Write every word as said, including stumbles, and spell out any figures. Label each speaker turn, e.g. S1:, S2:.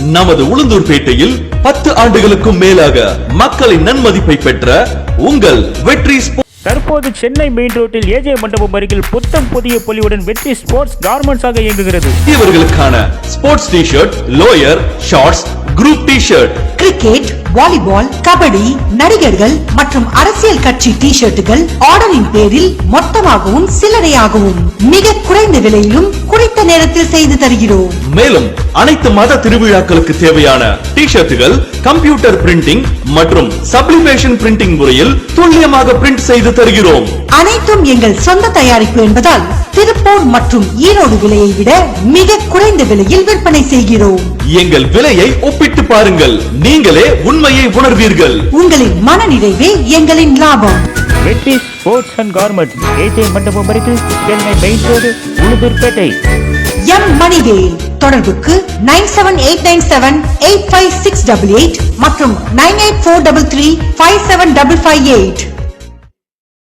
S1: நமது உளுந்தூர்பேட்டையில் பத்து ஆண்டுகளுக்கும் மேலாக மக்களின் நன்மதிப்பை பெற்ற உங்கள் வெற்றி.
S2: தற்போது சென்னை மெயின் ரோட்டில் ஏஜே மண்டபம் அருகில் புத்தம் புதிய பொலிவுடன் வெற்றி ஸ்போர்ட்ஸ் கார்மெண்ட்ஸ் ஆக இயங்குகிறது.
S1: இவர்களுக்கான sports T shirt, lower, shorts, group T shirt,
S3: cricket, volleyball, kabaddi, நடிகர்கள் மற்றும் அரசியல் கட்சி டி ஷர்ட்டுகள் ஆர்டரின் பேரில் மொத்தமாகவும் சில்லறையாகவும் மிக குறைந்த விலையிலும் குறித்த நேரத்தில் செய்து தருகிறோம்.
S1: மேலும் அனைத்து மத திருவிழாக்களுக்கு தேவையான டி ஷர்ட்டுகள் கம்ப்யூட்டர் பிரிண்டிங் மற்றும் சப்ளிமேஷன் பிரிண்டிங் முறையில் துல்லியமாக பிரிண்ட் செய்து தருகிறோம்.
S3: அனைத்தும் எங்கள் சொந்த தயாரிப்பு என்பதால் திருப்பூர் மற்றும் ஈரோடு விலையை விட மிக குறைந்த விலையில் விற்பனை செய்கிறோம்.
S1: எங்கள் விலையை ஒப்பிட்டு பாருங்கள், நீங்களே உண்மையை உணர்வீர்கள்.
S3: உங்களின் மன நிறைவே எங்களின் லாபம்.
S2: வெற்றி ஸ்போர்ட்ஸ் அண்ட் கார்மெண்ட்ஸ், ஏஜே மண்டபம் அருகில், Chennai main road, Ulundurpettai.
S3: M Manivel. தொடர்புக்கு nine seven eight nine seven eight five six double eight மற்றும் nine eight four double three five seven double five eight.